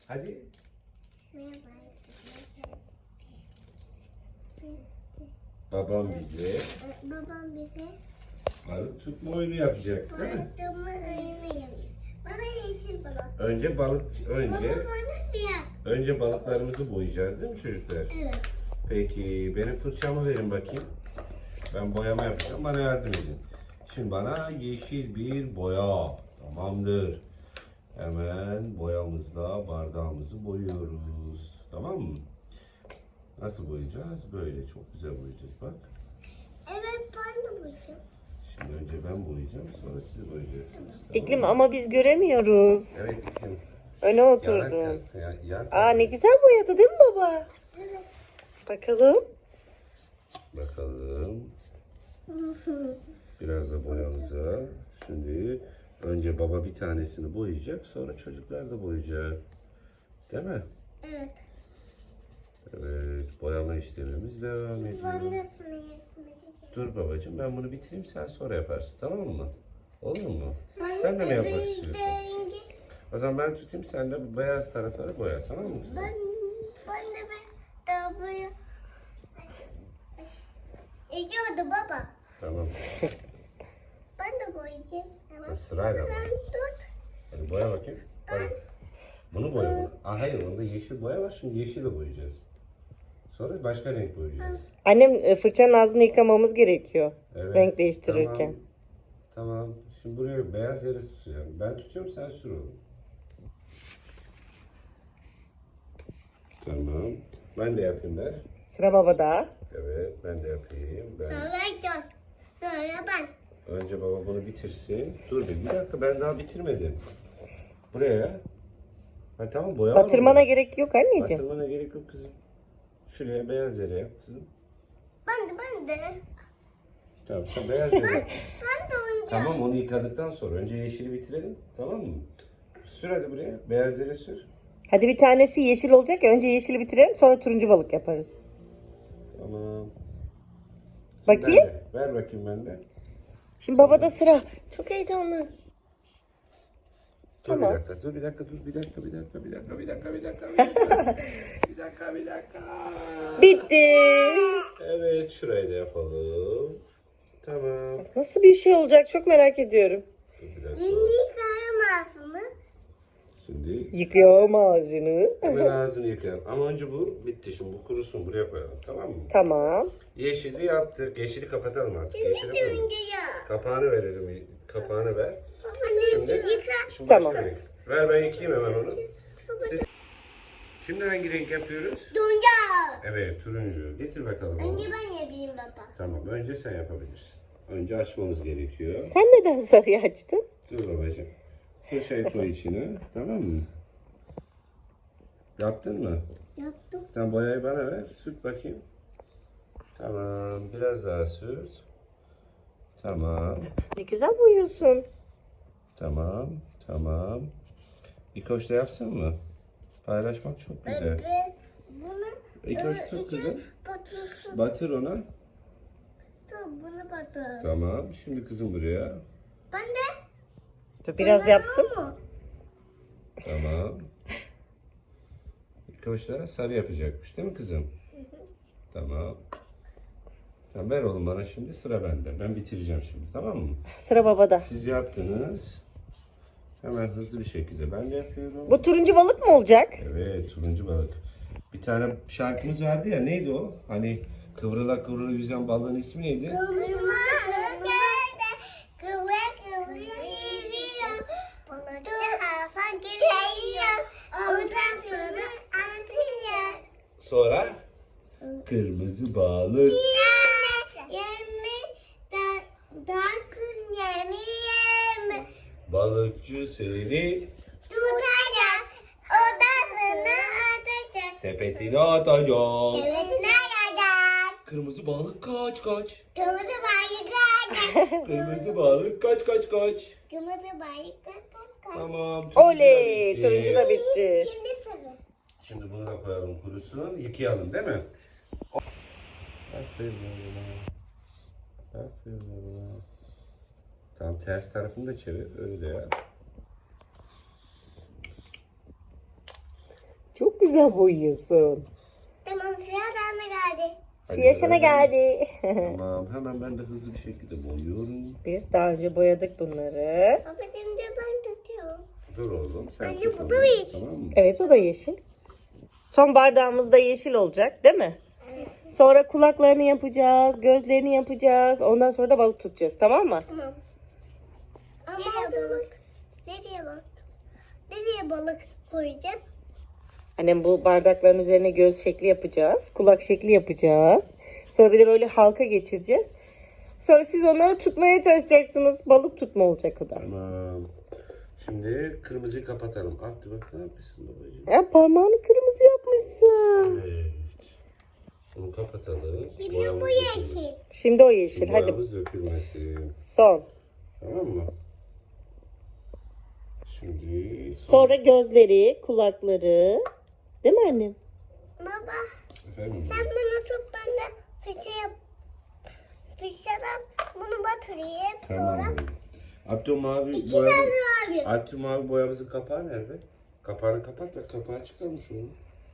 Hadi. Babam bize Babam bize balık tutma oyunu yapacak, değil mi? balık tutma oyunu yapıyor. Bana yeşil balık. Önce Baba bana siyah. önce balıklarımızı boyayacağız, değil mi çocuklar? Evet. Peki benim fırçamı verin bakayım. Ben boyama yapacağım. Bana yardım edin. Şimdi bana yeşil bir boya. Tamamdır. Hemen boyamızla bardağımızı boyuyoruz. Tamam mı? Nasıl boyayacağız? Böyle çok güzel boyayacağız bak. Evet ben de boyayacağım. Şimdi önce ben boyayacağım, sonra siz boyayacaksınız. Tamam İklim mı? ama biz göremiyoruz. Evet İklim. Öne oturdun. Aa ne Yan güzel boyadı değil mi baba? Evet. Bakalım. bakalım. Biraz da boyamıza. Şimdi önce baba bir tanesini boyayacak, sonra çocuklar da boyayacak. Değil mi? Evet. Evet, boyama işlemimiz devam ediyor. Ben de sana yardım edeceğim. Dur babacığım, ben bunu bitireyim, sen sonra yaparsın, tamam mı? Olur mu? Ben Sen de mi yapmak rengi- istiyorsun? O zaman ben tutayım, sen de bu beyaz tarafları boya, tamam mı kızım? Ben de daha boya. Geçiyordu baba. Tamam. Ben de boyayacağım. Tamam. Sırayla boya. Sen tut. Hadi boya bakayım. Hadi. Bunu boya. Aa, hayır, onda yeşil boya var, şimdi yeşil de boyayacağız. Sonra başka renk boyayacağız. Annem fırçanın ağzını yıkamamız gerekiyor. Evet, Renk değiştirirken. Tamam. Şimdi buraya beyaz yere tutacağım. Ben tutuyorum, sen sür onu. Tamam. Ben de yapayım der. Sıra babada. Evet, ben de yapayım. Ben. Sonra sonra ben. Önce baba bunu bitirsin. Dur bir dakika, ben daha bitirmedim. Buraya. Ha tamam, boya var Batırmana orada. gerek yok anneciğim. Batırmana gerek yok kızım. Şuraya beyaz yere yap kızım. Ben de. Tamam, sen beyaz yere yap. Ben de oynayacağım. Tamam, onu yıkadıktan sonra önce yeşili bitirelim. Tamam mı? Sür hadi buraya. Beyaz yere sür. Hadi bir tanesi yeşil olacak ya. Önce yeşili bitirelim sonra turuncu balık yaparız. Tamam. Bakayım. Ben de. Ver bakayım ben de. Şimdi babada sıra. Çok heyecanlı. Dur Tamam. bir dakika, dur bir dakika, dur bir dakika, bir dakika, bir dakika, bir dakika, bir dakika, bir dakika, bir dakika. Bitti. Evet, şurayı da yapalım. Tamam. Nasıl bir şey olacak çok merak ediyorum. Dur bir dakika. Şimdi yıkayamaz mı? Şimdi Yıkıyorum ağzını. hemen ağzını yıkayalım. Ama önce bu bitti. Şimdi bu kurusun. Buraya koyalım. Tamam mı? Tamam. Yeşili yaptık. Yeşili kapatalım artık. Yeşili koyalım. Ya. Kapağını verelim. Kapağını ver. Şimdi yıka. Şimdi Tamam. başka renk. Ver ben yıkayayım hemen onu. Siz... Şimdi hangi renk yapıyoruz? Tunca. Evet, turuncu. Getir bakalım onu. Önce ben yapayım baba. Tamam, önce sen yapabilirsin. Önce açmamız gerekiyor. Sen neden sarıyı açtın? Dur babacığım. Fırçayı koy içine. Tamam mı? Yaptın mı? Yaptım. Sen boyayı bana ver. Sürt bakayım. Tamam. Biraz daha sürt. Tamam. Ne güzel boyuyorsun. Tamam. Tamam. İkoş da yapsın mı? Paylaşmak çok güzel. Ve bunu İkoş tut kızım. batırsın. Batır ona. Dur bunu batır. Tamam. Şimdi kızım buraya. Ben de. Dur biraz yapsın. Mu? Tamam. İkoş da sarı yapacakmış değil mi kızım? Tamam. Tamam, ver oğlum bana şimdi, sıra bende. Ben bitireceğim şimdi, tamam mı? Sıra babada. Siz yaptınız. Hemen hızlı bir şekilde ben de yapıyorum. Bu turuncu balık mı olacak? Evet, turuncu balık. Bir tane şarkımız vardı ya, neydi o? Hani kıvrıla kıvrıla yüzen balığın ismi neydi? Kıvırma kıvır kıvır yüzüyor. Balıkçı Hasan geliyor. Oradan sonra atıyor. Sonra kırmızı balık. Yemi da kun yemi. Balıkçı seni Tutacak. Odasına atacak. sepetine atacak. Evet ne yapacak? Kırmızı balık kaç kaç. Kırmızı balık kaçacak. Kırmızı balık kaç kaç kaç. Kırmızı balık kaçacak. Tamam. turuncu da Oley! bitti. Turuncu da bitti. Şimdi sarı. Şimdi bunu da koyalım kurusun. Yıkayalım değil mi? Aferin oğlum. Aferin oğlum. Tamam, ters tarafını da çevir. Öyle yap. güzel boyuyorsun. Tamam sıra bana geldi. Hadi Yaşana bakalım. geldi. Tamam, hemen ben de hızlı bir şekilde boyuyorum. Biz daha önce boyadık bunları. Baba şimdi ben tutuyorum. Dur oğlum, sen Anne, tut bu onu, da yeşil. tamam mı? Evet, o da yeşil. Son bardağımız da yeşil olacak, değil mi? Sonra kulaklarını yapacağız, gözlerini yapacağız. Ondan sonra da balık tutacağız, tamam mı? Tamam. Nereye balık? Nereye balık? Nereye balık koyacağız? Annem bu bardakların üzerine göz şekli yapacağız. Kulak şekli yapacağız. Sonra bir de böyle halka geçireceğiz. Sonra siz onları tutmaya çalışacaksınız. Balık tutma olacak o da. Tamam. Şimdi kırmızıyı kapatalım. Abdü bak, ne yapmışsın babacığım? Ya parmağını kırmızı yapmışsın. Evet. Bunu kapatalım. Şimdi Boyamız bu dökülmesin. yeşil. Şimdi o yeşil. Hadi Boyamız dökülmesin. son. Tamam mı? Şimdi Sonra gözleri, kulakları. Değil mi annem? Baba Efendim? sen bana tut ben de fırça yap. Fırçadan bunu batırayım. Sonra Tamam. Abdülmavi iki tane abi. Abdülmavi boyamızın kapağı nerede? Kapağını kapat ve kapağı çıkarmış onu.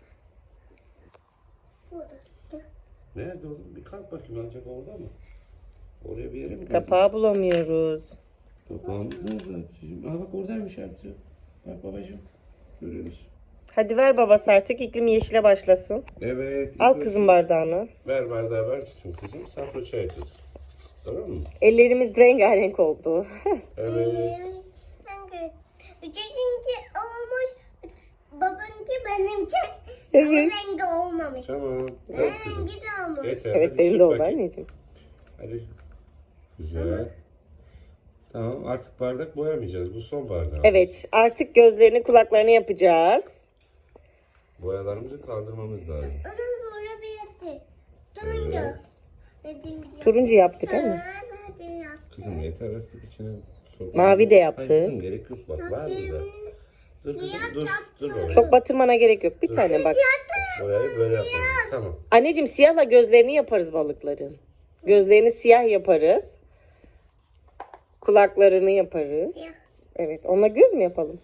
Burada. Nerede oğlum? Bir kalk bakayım, ancak orada mı? Oraya bir yere mi koydun? Kapağı bulamıyoruz. Kapağımız nerede Abdülcüğüm? Aa bak, oradaymış Abdü. Bak babacığım. Görüyor musun? Hadi ver babası artık. İklim yeşile başlasın. Evet. Al ilk kızım önce- bardağını. Ver bardağı, ben tutayım kızım. Sen fırçayı tut. Tamam mı? Ellerimiz rengarenk oldu. Evet. Sanki üçüncü olmuş. Babanınki benimki. Evet. Ama rengi olmamış. Tamam. Ben Evet kızım. rengi de olmamış. Yeter. Evet hadi benim sür de oldu bakayım. anneciğim. Hadi. Güzel. Tamam, artık bardak boyamayacağız. Bu son bardak. Evet artık gözlerini kulaklarını yapacağız. Boyalarımızı kaldırmamız lazım. Ondan sonra bir yetti. Turuncu. Evet. Dediğim gibi. Turuncu yaptı değil mi? Hadi yap. Kızım yeter artık, içine sok. Mavi de yaptı. Hayır kızım, gerek yok, bak var burada. Dur kızım, dur babacığım. Çok batırmana gerek yok. Bir tane bak. Boyayı böyle yapalım. Tamam. Anneciğim siyahla gözlerini yaparız balıkların. Gözlerini siyah yaparız. Kulaklarını yaparız. Siyah. Evet onunla göz mü yapalım?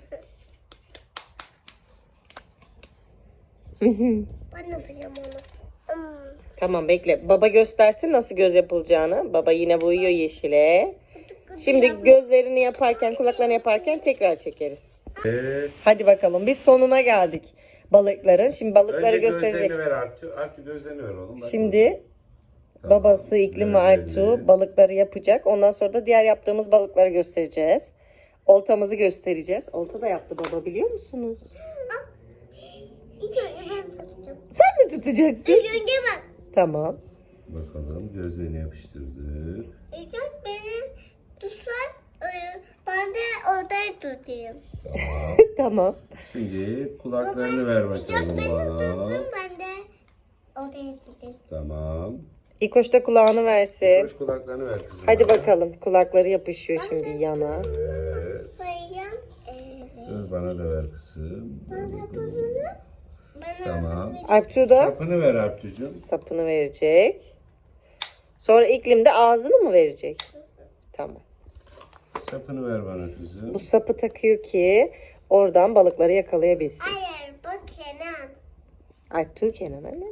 Ben yapacağım onu. Tamam bekle. Baba göstersin nasıl göz yapılacağını. Baba yine boyuyor yeşile. Şimdi gözlerini yaparken, kulaklarını yaparken tekrar çekeriz. Hadi bakalım biz sonuna geldik balıkların. Şimdi balıkları Önce gösterecek. gözlerini ver Artu. Artu gözlerini ver oğlum. Bak Şimdi Tamam. babası İklim ve Gözlerini. Artu balıkları yapacak. Ondan sonra da diğer yaptığımız balıkları göstereceğiz. Oltamızı göstereceğiz. Olta da yaptı baba biliyor musunuz? İlk önce ben tutacağım. Sen mi tutacaksın? İlk önce ben. Tamam. Bakalım, gözlerini yapıştırdık. İlk önce beni tutsan ben de odayı tutayım. Tamam. Tamam. Şimdi kulaklarını ver İlk bakalım önce beni bana. tutsun ben de odayı tutayım. Tamam. İkoş da kulağını versin. Koş, kulaklarını ver kızım. Hadi bana. bakalım. Kulakları yapışıyor şimdi yana. Evet. Koyacağım. Evet. Dur, bana da ver kızım. Ben sapını. Ben Tamam. Artu da Sapını ver Artucuğum. sapını verecek. Sonra İklim de ağzını mı verecek? Tamam. Sapını ver bana kızım. Bu sapı takıyor ki oradan balıkları yakalayabilsin. Hayır bu Kenan. Artu Kenan anne.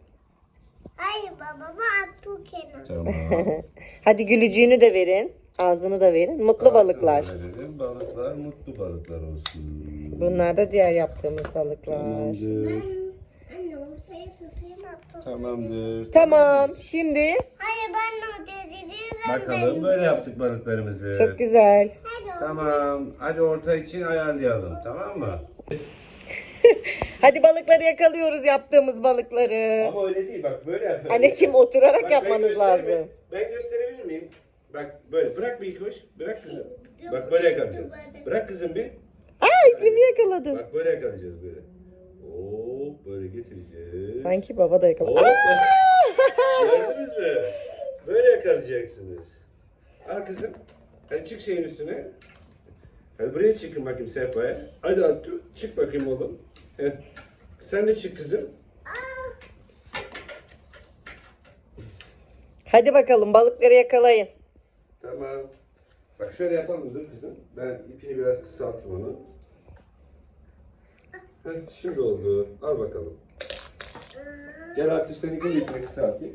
Hayır baba bu Abdül Kenan. Tamam. Hadi gülücüğünü de verin. Ağzını da verin. Mutlu balıklar. Ağzını verelim. Balıklar mutlu balıklar olsun. Bunlar da diğer yaptığımız balıklar. Tamamdır. Anne ortaya tutayım Abdül. Tamamdır. Tamam. Şimdi Hayır ben ortaya dediğim zaman Bakalım, böyle yaptık balıklarımızı. çok güzel. Hadi Tamam. Hadi orta için ayarlayalım. Tamam mı? Hadi balıkları yakalıyoruz yaptığımız balıkları. Ama öyle değil, bak böyle yapalım. Anneciğim oturarak Bak, yapmanız lazım. Ben gösterebilir miyim? Bak böyle, bırak bir ilk hoş. Bırak kızım. Bak böyle yakalayacağız. Bırak kızım bir. Aa İklim'i yakaladın. Bak böyle yakalayacağız böyle. Hop böyle getireceğiz. Sanki baba da yakaladı. Hop. Gördünüz mü? Böyle yakalayacaksınız. Al kızım. Hadi çık şeyin üstüne. Hadi buraya çıkın bakayım sehpaya. Hadi Attu, çık bakayım oğlum. Heh. Sen de çık kızım. Hadi bakalım balıkları yakalayın. Tamam. Bak şöyle yapalım, dur kızım. Ben ipini biraz kısaltayım onu. Şimdi oldu. Al bakalım. Gel artık seninkini ipini kısaltayım.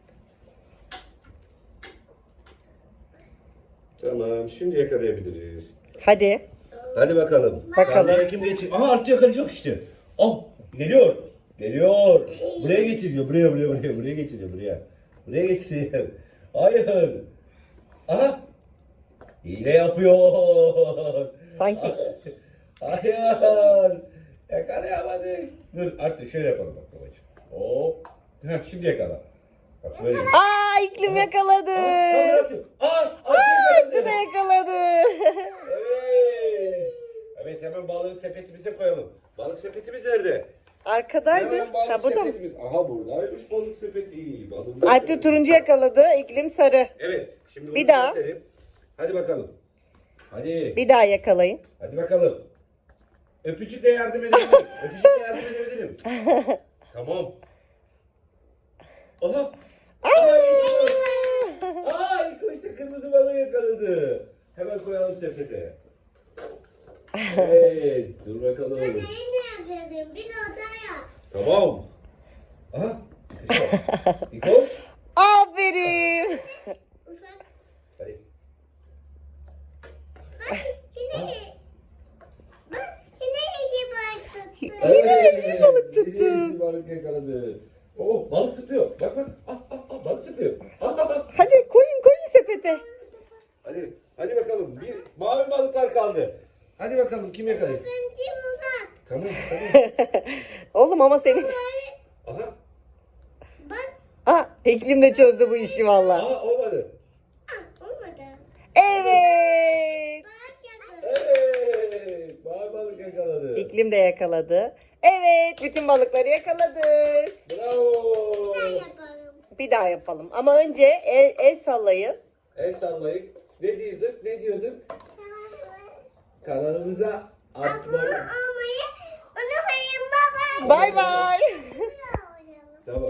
Tamam, şimdi yakalayabiliriz. Hadi. Hadi bakalım. Bakalım. Tarlaya kim geçiyor? Aha artık yakalayacak işte. Oh, geliyor. Geliyor. Buraya geçiriyor. Buraya geçiriyor. Buraya geçiriyor. Hayır. Aha. Hile yapıyor. Sanki Hayır. Yakalayamadık. Dur artık şöyle yapalım bak babacığım. Hop. Heh, şimdi yakala. Bak böyle. Aa, iklim yakaladı. Kamera atıyor. Artık Tuna yakaladı. yakaladı. Evet. Evet, hemen balığı sepetimize koyalım. Balık sepetimiz nerede? Arkadaydı. Hemen balık Ha, burada mı? sepetimiz. Aha buradaymış balık sepeti. Balığımız Alp de sepeti. turuncu yakaladı. İklim sarı. Evet. Şimdi bunu Bir daha. sepetleyelim. Hadi bakalım. Hadi. Bir daha yakalayın. Hadi bakalım. Öpücükle yardım edebilirim. Öpücükle yardım edebilirim. Tamam. Aha. Ay koştu, kırmızı balığı yakaladı. Hemen koyalım sepete. Evet, dur bakalım. Neyi ne yapıyordun? Bir odaya. Tamam. Aha. Dikoş. Aferin. Ufak. Hadi. Bak yine. Bak yine iki balık tuttu. Yine balık tuttu. Yine balık yakaladı. Oh, balık sıpıyor. Bak bak. Balık sıpıyor. Hadi koyun sepete. Hadi bakalım. Bir mavi balıklar kaldı. Hadi bakalım kim yakalayacak? Benimki uzak. Tamam. Oğlum ama senin... Aha. Bak. Aa, iklim de çözdü bu işi valla. Olmadı. Olmadı. Evet. Bak yakın. Evet. Mavi balık yakaladı. İklim de yakaladı. Evet, bütün balıkları yakaladık. Bravo. Ben yaparım. Bir daha yapalım. Ama önce el sallayın. El sallayıp ne diyorduk? Kanalımıza Abone atmayı. olmayı unutmayın baba. Bay bay.